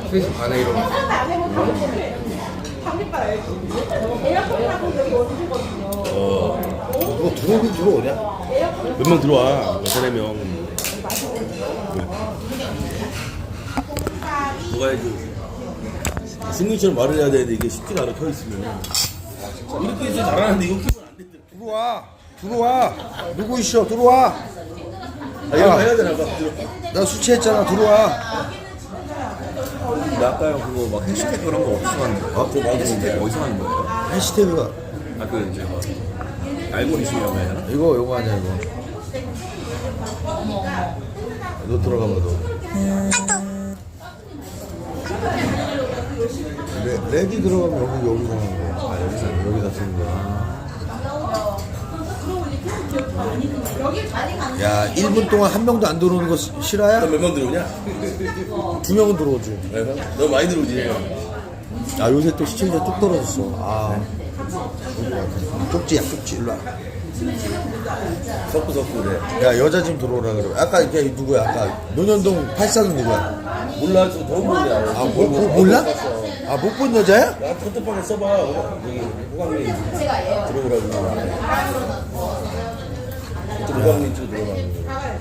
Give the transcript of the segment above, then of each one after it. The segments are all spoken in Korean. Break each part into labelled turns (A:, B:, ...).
A: 3시 반에 일어나.
B: 누가 들어오긴 들어오냐?
C: 몇 명 들어와. 여섯 명. 누가 해야지. 승민이처럼 말을 해야 되는데 이게 쉽지가 않아 켜 있으면. 이렇게 해서 잘하는데 이거 키면 안 된대.
B: 들어와. 누구 있어? 들어와.
C: 아 이거 해야 되나 봐.
B: 나 술 취했잖아. 들어와.
C: 나 아까 그거 막 해시태그 그런 거 어디서 하는 거야? 그거 막 해시태그 어디서 하는 거예요?
B: 해시태그가
C: 아 그 이제 막 알고리즘이라고 해야 되나?
B: 이거 아니야 이거. 너 들어가봐 너. 렉이 들어가면 여기서 하는 거야. 아 여기다 쓰는 거야. 야 1분 동안 한 명도 안 들어오는 거 실화야?
C: 몇 명 들어오냐?
B: 2명은 들어오지.
C: 너무 많이 들어오지.
B: 아 요새 또 시청자 뚝 떨어졌어. 아 쪽지야 쪽지 일로 와.
C: 섞고 그래.
B: 야 여자 좀 들어오라 그래. 아까 이게 누구야? 아까 논현동 84는 누구야?
C: 몰라 저 더운 건데.
B: 아 몰라? 아 못 본 여자야?
C: 야 컨택방에 써봐. 여기 호강이 들어오라고. 호강이 쪽 들어오라고.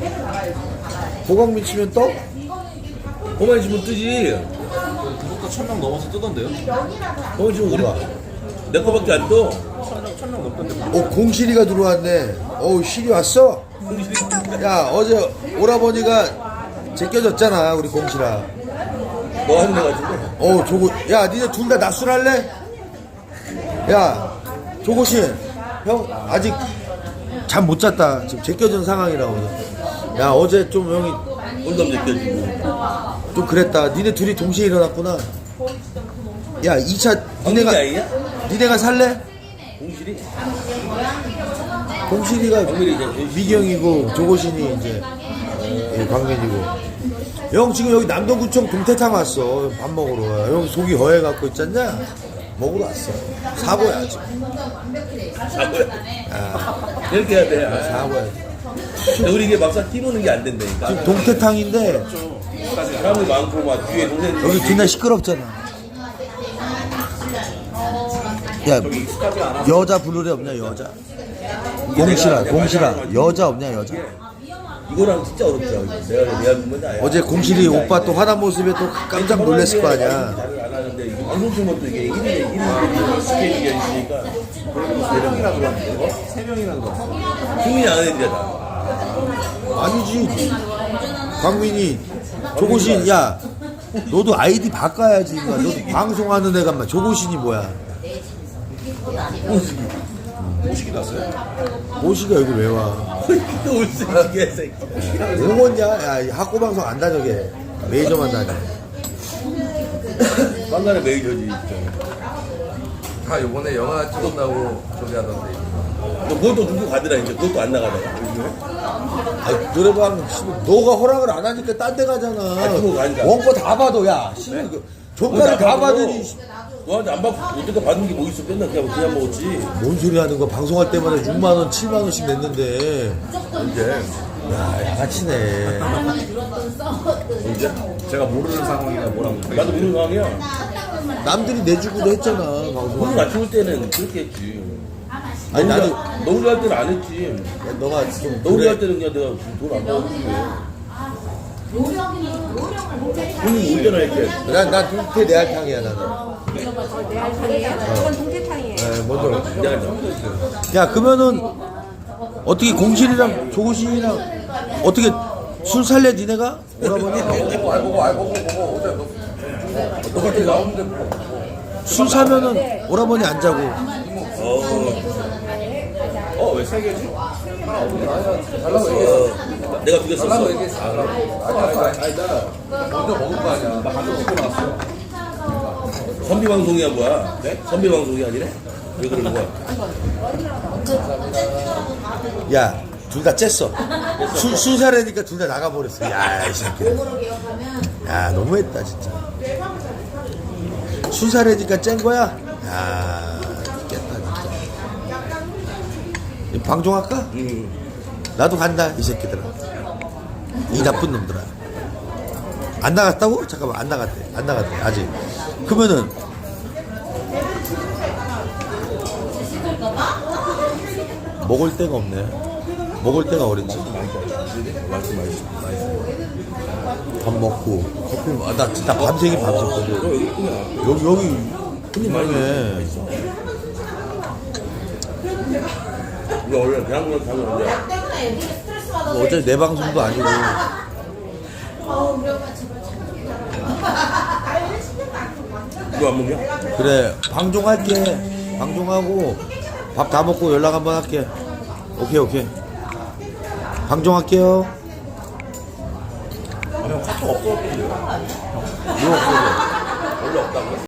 B: 보광민 치면 떠?
C: 호강이 치면 뜨지.
A: 구독자 1000명 넘어서 뜨던데요?
C: 호강이 치면 우리 내 거밖에 안 떠.
A: 1000명 넘던데.
B: 공실이가 들어왔네. 어우 실이 왔어? 야 어제 오라버니가 제껴졌잖아 우리 공실아.
C: 너 하는 애 같은데.
B: 어우 조고 야 니네 둘 다 낮술할래? 야 조고신 형 아직 잠 못 잤다 지금 제껴진 상황이라고. 야 어제 좀 형이
C: 홀담 제껴지고.
B: 좀 그랬다. 니네 둘이 동시에 일어났구나. 야 2차 니네가 살래?
C: 공실이?
B: 공실이가
C: 광민이 이제
B: 미경이고 조고신이 이제 광민이고. 형 지금 여기 남동구청 동태탕 왔어. 밥 먹으러. 형 속이 허해갖고 있잖냐? 먹으러 왔어. 사고야 지금.
C: 사고야.
B: 야,
C: 이렇게 해야 돼. 아,
B: 사고야.
C: 우리 이게 막상 뛰노는 게 안 된다니까.
B: 지금 동태탕인데
C: 사람이 많고 막 뒤에 동생
B: 여기 뒷날 시끄럽잖아. 야 여자 부르래 없냐 여자? 공실아 여자 없냐 여자?
C: 이거랑 진짜 어렵더라고. 내가 보면 나야.
B: 어제 공실이 오빠 또 화난 모습에 또 깜짝 놀랐을 거 아니야.
C: 잘을 안 하는데 이게 방송팀은 또 이게 1인 스케줄이 있으니까 3명이나 들어왔는데 3명이나 들어왔어. 승민이 안 하는 데다.
B: 아니지. 광민이 조고신 야 너도 아이디 바꿔야지. 너도 방송하는 애가 막 조고신이 뭐야?
C: 모시기 났어요?
B: 모시가 여기 왜 와?
C: 또 올수 있게 새끼.
B: 오겠냐? 야 학고 방송 안 다녀게 메이저만 다녀.
C: 빵가는 메이저지.
A: 다 요번에 영화 찍었다고 저기 하던데.
C: 그것도 누구 가더라 이제. 그것도 안 나가더라.
B: 아 노래방 너가 허락을 안 하니까 딴 데 가잖아.
C: 그거 가니까.
B: 원고 다 봐도 야 조카를 다 받으니
C: 너한테 안 받고 어떻게 받는 게 뭐 있어? 맨날 그냥 먹었지.
B: 뭔 소리 하는 거. 방송할 때마다 6만원 7만원씩 냈는데
C: 언제?
B: 야 양아치네.
C: 언제?
A: 제가 모르는 상황이라 뭐라고.
C: 나도 모르는 상황이야.
B: 남들이 내주기도 했잖아
C: 돈을
B: 방송할 때.
C: 맞출 때는 그렇게 했지.
B: 아니 나도
C: 너우리 할 때는 안 했지.
B: 너가 좀
C: 너우리
B: 그래.
C: 할 때는 그냥 내가 돈 안 받았지. 돈이 울잖아 이렇게.
B: 난 동태 내알탕이야 나는.
D: 이건 동태탕이에요.
B: 네, 먼저.
C: 내가 좀
B: 야 그러면은 어떻게 공실이랑 조고신이랑 어떻게 술 살래 니네가? 오라버니?
A: 알고 어제 똑같이 나오는데
B: 술 사면은 오라버니 안 자고.
C: 왜 세 개지?
A: 달라고 얘기했어.
C: 내가 두 개 썼어.
A: 달라고 얘기했어. 아니 나 먼저 먹을 거 아니야. 나 방금 찍고 나왔어.
C: 선비 방송이야 뭐야? 네? 선비 방송이 아니래? 왜 그러는 거야?
B: 야 둘 다 쬐어. 술 사려니까 둘 다 나가버렸어. 야 이 새끼. 야 너무했다 진짜. 술 사려니까 짠 거야? 야 죽겠다 진짜. 방종할까? 나도 간다 이 새끼들아. 이 나쁜 놈들아. 안 나갔다고? 잠깐만, 안 나갔대. 안 나갔대, 아직. 그러면은, 먹을 데가 없네. 먹을 데가 어렵지. 밥 먹고, 커피, 나 진짜 밤새긴 밤샜거든. 여기, 큰일나네.
C: 이거 원래 대한민국 가면 원래
B: 뭐 어차피 내 방송도 아니고.
C: 이거 안 먹냐?
B: 그래, 방종할게. 방종하고, 밥 다 먹고 연락 한번 할게. 오케이. 방종할게요.
C: 형 카톡 없어?
B: 이거 없어져.
C: 원래 없다고?